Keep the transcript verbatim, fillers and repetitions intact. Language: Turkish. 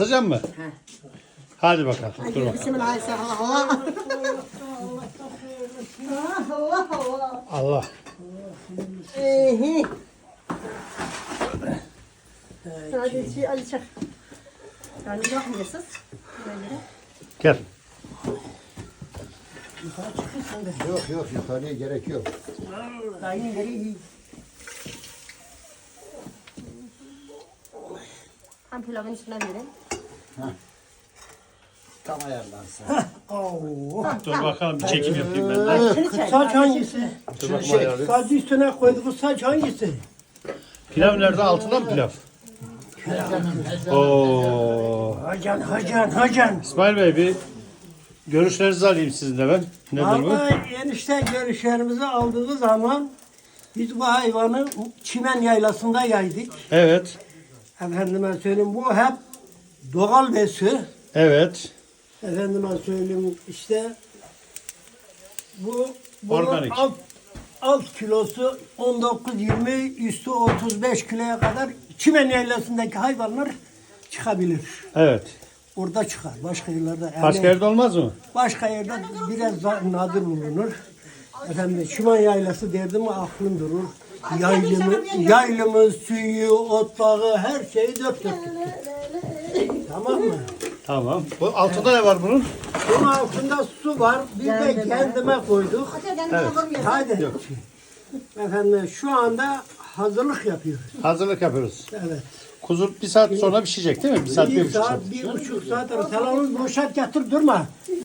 Alacak mı? He. Hadi bakalım. Dur bakalım. Bismillahirrahmanirrahim. Allah Allah. Allah. Ehe. Hadi şey Ali çak. Yani bakmıyorsunuz. Böyle. Gel. Yukarı çıkıyorsun da. Yok yok yukarıya gerek yok. Aynı yere iyi. Hem pilavın üstüne verin. Tam ayarlansın. Dur bakalım bir çekim yapayım ben de. Şunu çek. Saç hangisi? Dur bakayım ayarlayayım. Saç üstüne koyduğumuz saç hangisi? Pilav nerede? Altında mı pilav? Oo. Hacan, hacan, hacan. İsmail Bey bir görüşlerinizi alayım sizin de ben. Nedir bu? Vallahi enişte görüşlerimizi aldığımız zaman biz bu hayvanı çimen yaylasında yaydık. Evet. Efendime söyleyeyim bu hep doğal besi. Evet. Efendime söyleyeyim işte bu bunun Organik. alt, alt kilosu on dokuz yirmi, üstü otuz beş kiloya kadar çimen yaylasındaki hayvanlar çıkabilir. Evet. Orada çıkar. Başka yerlerde yani Başka yerde olmaz mı? başka yerde biraz daha nadir bulunur. Efendim Çimen yaylası derdim mi aklım durur. Yaylımı, yaylımı, suyu, otlağı her şeyi dört dörtlük. Tamam mı? Tamam. Bu altında ne var bunun? Bunun altında su var. Biz de kendime koyduk. Hadi. Efendim şu anda hazırlık yapıyoruz. Hazırlık yapıyoruz. Evet. Kuzu bir saat sonra pişecek değil mi? Bir saat, bir Bir buçuk saat. saat, bir buçuk saat. Salonu boşalt yatır durma.